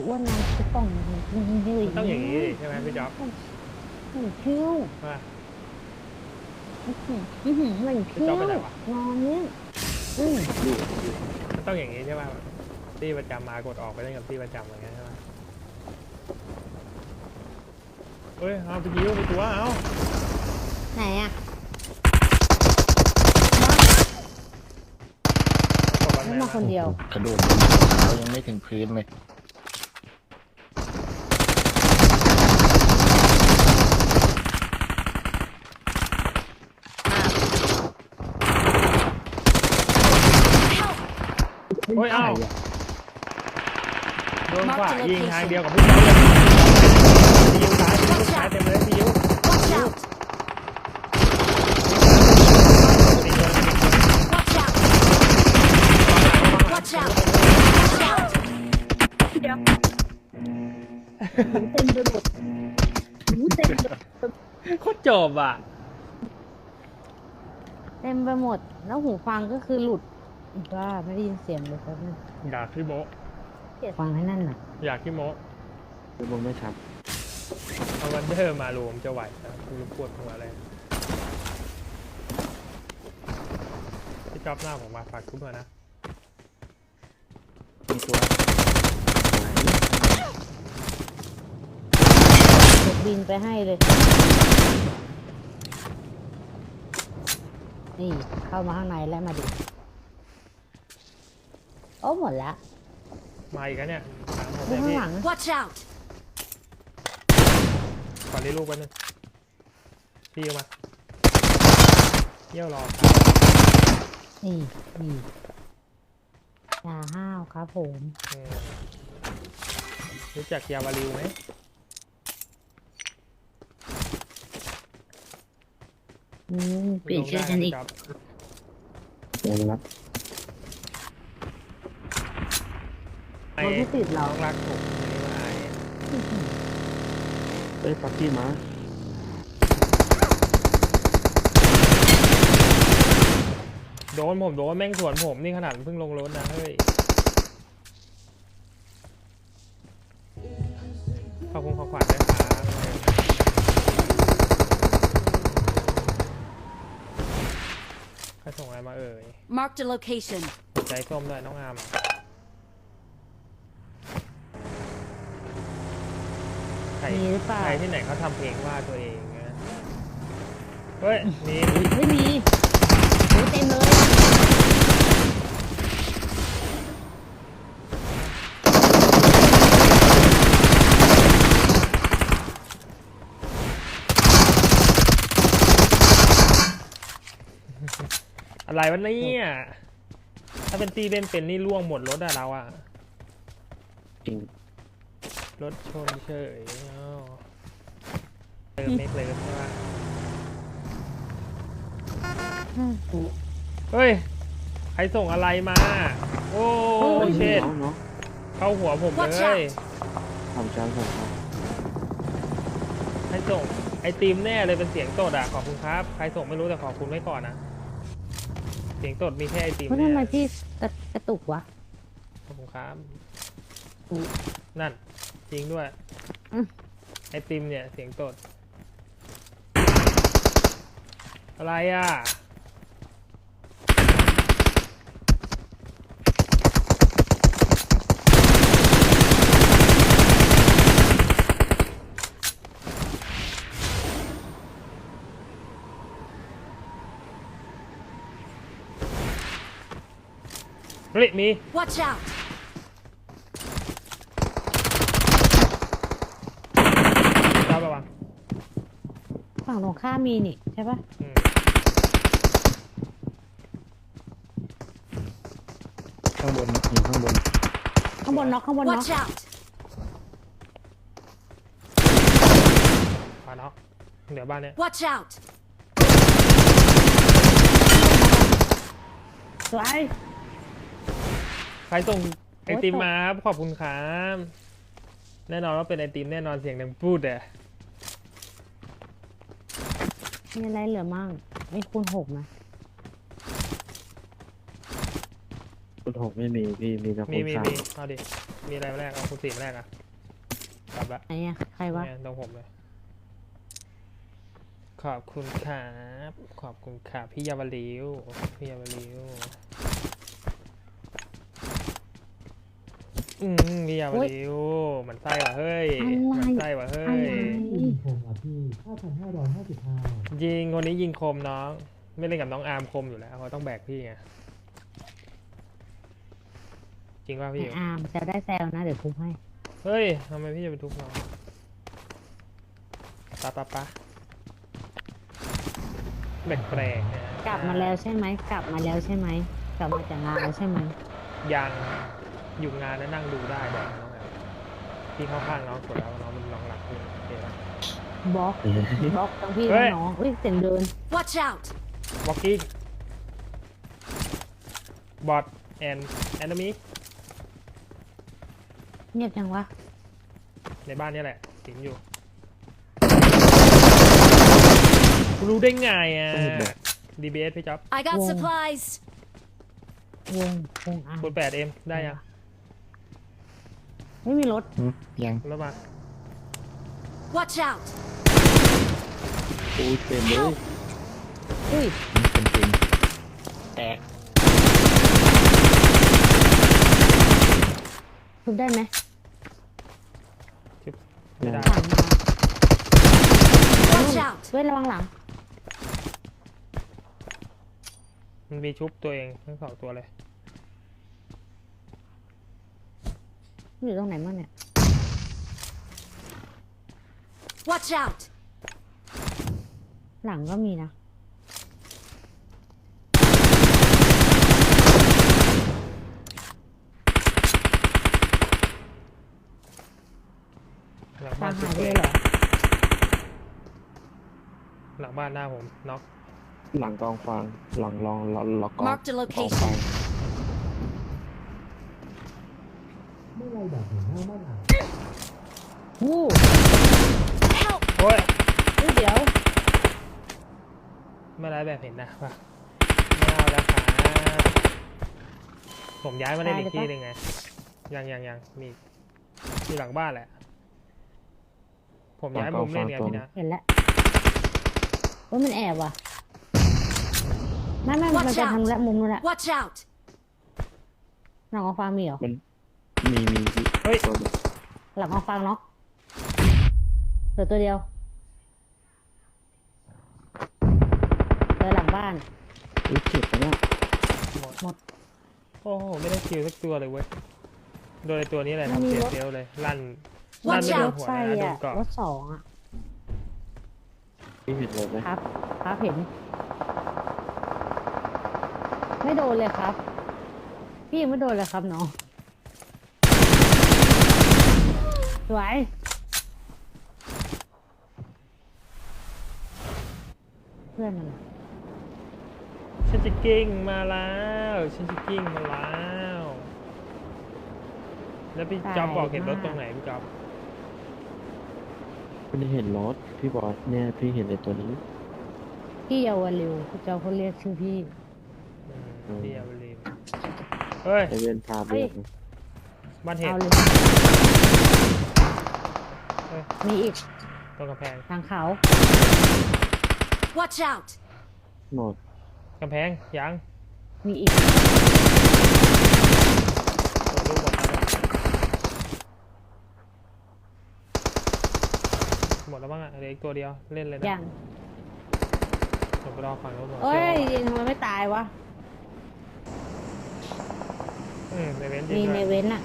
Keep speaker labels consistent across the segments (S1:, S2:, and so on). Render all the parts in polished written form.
S1: ว่าน้ำจะต้องยืด
S2: ต้องอย่างนี้ใช่ไหมพี่จ๊อบ
S1: คิ้ว
S2: ว่า
S1: เหมือนคิ้วนอนเนี่ย
S2: ต้องอย่างนี้ใช่ไหมที่ประจำมากดออกไปเล่นกับที่ประจำอย่างเงี้ยใช่ไหมเฮ้ยเอาไปยิ้วไปตัวเอา
S1: ไหนอ่ะไม่มาคนเดียว
S3: กระโดดเท้ายังไม่ถึงพื้นเลย
S2: โอ้ยเอาโดนขวายิงทางเดียวกับพี่จ๊อบเลยยิงซ้ายเต็มเลยพี่ยิ้ว
S1: เต็มไปหมดเต็ม
S2: โคตรจบอ่ะ
S1: เต็มไปหมดแล้วหูฟังก็คือหลุดว่าไม่ได้ยินเสียงเลยครับนั่น
S2: อยากขี้โม
S1: ฟังให้นั่นน่ะ
S2: อยากขี้โม
S3: คือผมไม่ชัด
S2: เอาวันเดอร์มารวมจะไหวนะคุณปวดหัวอะไรพี่จ๊อบหน้าผมมาฝากทุกคนนะ
S3: มีตัว
S1: บินไปให้เลยนี่เข้ามาข้างในแล้วมาดิโอ้หมดละ
S2: มาอีกแล้วเนี่ย
S1: ดูข้างหลัง
S4: Watch out
S2: ขอเรียกลูกไปนึงพี่มาเยี่ยวรอ
S1: นี่ยาห้าวครับผม
S2: รู้จักยาวาริวไหม
S1: เปลี่ยนชื่อฉันอีก
S3: เดี๋ยวรับ
S1: มันไม่ติดเรา
S2: รักผมไม่ว่า
S3: ปักกี้มา
S2: โดนแม่งสวนผมนี่ขนาดเพิ่งลงรถนะเฮ้ยขอบคุณขวัญด้วยครับใครส่งอะไรมาเอ่ย
S4: Mark the location
S2: ใจส้มด้วยน้องอามใครที่ไหนเขาทำเพลงว่าตัวเองนะเฮ้ยมี
S1: ไม่มีเต็มเลย
S2: อะไรวะเนี่ยถ้าเป็นตีเป็นนี่ล่วงหมดรถอะเราอะ
S3: จริง
S2: รถชนเฉยเติมเมกเลยใช่ไหมเฮ้ยใครส่งอะไรมาโอ้เช็ดเข้าหัวผมเลย
S3: ทำชั้นผมครับ
S2: ใครส่งไอติมแน่เลยเป็นเสียงตดอะขอบคุณครับใครส่งไม่รู้แต่ขอบคุณไว้ก่อนนะเสียงตดมีแค่ไอติม
S1: เพราะทำไมพี่กระตุกวะ
S2: ขอบคุณครับนั่นจริงด้วยไอติมเนี่ยเสียงตดอะไรอ่ะเฮ้ยมี
S4: Watch out
S2: เราระวัง
S1: ฝั่งตรงข้ามมีนี่ใช่ปะ
S3: ข้างบนอยู่ข้างบน
S1: น็อก
S4: Watch out
S2: มาเนาะเดี๋ยวบ้านเนี้ย
S4: Watch out
S1: สวย
S2: ใครส่งไอติมมาขอบคุณครับแน่นอนว่าเป็นไอติมแน่นอนเสียงดังพูดอะ
S1: มีอะไรเหลือมั่งไม่คูณ6นะ
S3: คูณ6ไม่มีพี่มีแต่คูณ3
S2: เอาดิมีอะไรมาแรกเอาคุณสี่มาแรกอ่ะกลับละ
S1: ไหนอะใครวะ
S2: เนี่ยตรงผมเลยขอบคุณครับขอบคุณครับพี่ยาวลิวพี่ยาวลิวพี่ยาวลิวมันไส้ว่ะเฮ้ยมันไส้ว่ะเฮ้
S1: อะไร
S2: ย
S4: ยิงคมอ่ะพี่ 5,555
S2: ยิงคนนี้ยิงคมน้องไม่เล่นกับน้องอาร์มคมอยู่แล้วเขาต้องแบกพี่ไงจริงป่ะ
S1: ไอ
S2: พี่
S1: อาร์มแซวได้แซวนะเดี๋ยวทุบให้
S2: เฮ้ยทำไมพี่จะไปทุบน้องปะแปลกๆนะ
S1: กลับมาแล้วใช่ไหมกลับมาแล้วใช่ไหมกลับมาจากงานแล้วใช่ไหม
S2: ยังอยู่งานแล้วนั่งดูได้แบบน้องแอมพี่เข้าข้างน้องกดแล้วน้องมันน้องหลักพี่โอเคปะ
S1: บล็อกบล็อกทั้งพี่
S2: เฮ้
S1: ทั้
S2: ย
S1: งน้องเฮ้ยเสียงเดิน
S5: Watch out!
S2: walking bot and enemy
S1: เงียบจังวะ
S2: ในบ้านนี่แหละสิงอยู่รู้ได้ไงอ่ะ DBS พี่จ๊อบ
S5: I got
S1: Whoa.
S5: supplies!
S1: วงอาร์ม
S2: คุณ8M ได้ยัง
S1: ไม่มีรถ
S3: ยัง
S2: แล้วมา
S5: Watch out!
S3: โอ้ยเต็มเลย
S1: อุ้ย
S3: เป็นจริงแตก
S1: ทุบได้ไหม
S2: ไม่ได้
S1: ผ่านมา
S5: Watch out!
S1: เว้ยระวังหลัง
S2: มันมีชุบตัวเองทั้งสองตัวเลย
S1: อยู่ตรงไหนมั่งเนี่ย
S5: Watch out!
S1: หลังก็มีนะ
S2: หลัง
S1: ตา
S2: บ้าม นชุ
S1: หา
S2: บ
S1: ยไป
S2: ตัว
S1: เล
S2: เอย ง
S1: เหรอ
S2: หลังบ้านหน้าผมน็อก
S3: หลังกองฟางหลังล็อกกอง
S5: Marked a
S3: กอง
S5: location
S3: ฟาง
S4: เมื่อไรแบบเห็นหน้ามั่นอ่ะ
S1: วู้
S5: Help!
S2: โอ้ย
S1: เฮ้ยเดี๋ยว
S2: ไม่ได้แบบเห็นนะป่ะไม่เอาแล้วครับผมย้ายมาเล่นอีกที่หนึ่งไงยังมีที่หลังบ้านแหละ ผมย้ายมุมเล่นไงพี่นะ
S1: เห็นแล้วว่ามันแอบว่ะไม่มัน
S5: Watch
S1: จะ
S5: out
S1: ทำละมุมนู้นแหละ
S5: Watch out!
S1: หลังกองฟางมีเหรอ
S3: มีพี่
S2: เฮ้ย
S3: ตัวเดียว
S1: หลังกองฟางเนาะเหลือตัวเดียวเหลือหลังบ้าน
S3: อุ๊ยเจ็บไปแล้ว
S1: หมด
S2: โอ้โหไม่ได้คิวสักตัวเลยเว้ยโดนไอ้ตัวนี้แหละ
S1: มัน
S2: ทำ
S1: มี
S2: เสีย
S1: รถ
S2: เดียวเลยลั่น
S5: Watch
S2: ไม่โดน
S5: out
S2: หัว
S1: ไฟ
S2: นะโดน
S1: อ่ะ
S2: เกาะ
S1: รถสองอ่ะ
S3: พี่เห็นเลยไหม
S1: ครับครับเห็น ไม่โดนเลยครับ พี่ยังไม่โดนเลยครับน้องสวยเพื่อนมันอะ
S2: ฉันจะกิ้งมาแล้วฉันจะกิ้งมาแล้ว แล้วพี่จ๊อบบอกเห็นรถตรงไหนพี่จ๊อบ
S3: ไม่ได้เห็นรถพี่บอสเนี่ยพี่เห็นไอ้ตัวนี้
S1: พี่เยาวริวพี่เจ้าเขาเรียกชื่อพี่
S2: พี่เอาไปเลยเฮ้ย
S3: ไอเวนพาเบียก
S2: บ้านเห็ด
S1: เอาเลย
S2: เฮ้ย
S1: มีอีก
S2: ตรงกำแพง
S1: ทางเขา
S5: Watch out!
S3: หมด
S2: กำแพงยัง
S1: มีอีก
S2: ตัวลูกหมดแล้วมั้งอ่ะเหลืออีกตัวเดียวเล่นเลยนะ
S1: ยัง
S2: ผมไปรอฝั่งนู้นก่อน
S1: เอ้ยยิงทำไมไม่ตายวะ
S2: ในเว้น
S1: มี
S2: ยิง
S1: ใน
S2: ด้วย
S1: เว้นอะ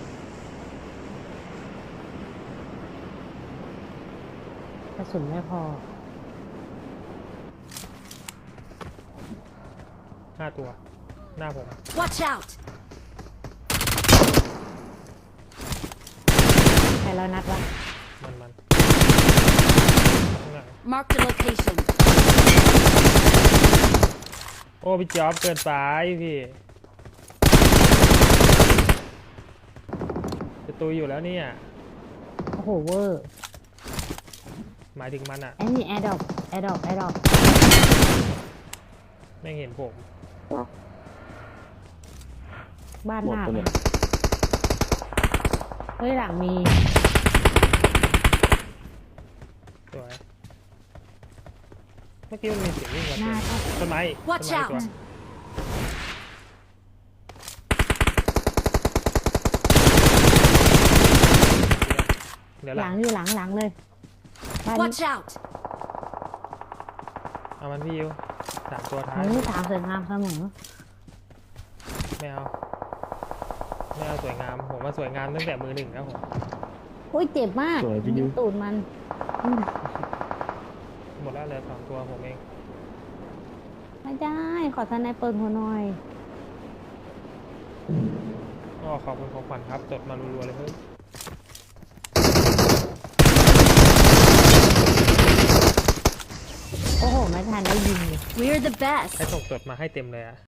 S1: กระสุนไม่พอ
S2: 5 ตัว หน้าผม
S5: Watch out!
S1: ใครเรานัดวะ
S2: มันข้างหลัง
S5: Marked a location.
S2: โอ้พี่จ๊อบเกินไปพี่จะตุยอยู่แล้วเนี่ย
S1: โอ้โหเวอร์
S2: หมายถึงมันอ่ะ
S1: ไอ้นี่แอร์ดรอปแอร์ดรอปแอร์ดรอป
S2: ไม่เห็นผม
S1: บ้าน
S3: หม
S1: ห
S3: ด
S1: น้า
S3: ตัว
S1: มั
S3: เนี่
S1: น
S3: ย
S1: เฮ้ยหลังมี
S2: สวยเมื่อกี้มันมีเสียงวิ่งมา
S1: หน้าก็
S2: ต้นไม้อีกต้น
S5: Watch
S2: ไม้อีก
S5: out
S2: ตัวเดี๋ยวห
S1: ห
S2: ลั
S1: ลั
S2: ง
S1: งอยู่หลังเลยบ้านนี้
S5: Watch out!
S2: เอามันพี่ยู3 ตัวท้าย
S1: นี่สามสวยงามเสมอ
S2: ไม่เอาไม่เอาสวยงามผมว่าสวยงามตั้งแต่มือ1แล้วผม
S1: โอ้ยเจ็บมาก
S3: สวยพี่นิว
S1: ตูดมันอืม
S2: หมดแล้วเหลือ2 ตัวผมเอง
S1: ไม่ได้ ขอทนายเปิดหัวหน่อย
S2: ก็ขอบคุณของขวัญครับจดมารัวๆเลยเฮ้ย
S1: โอ้โห ไม่ทันได้ยินเลย
S5: We're the best.
S2: ให้ส่งจดมาให้เต็มเลยอะ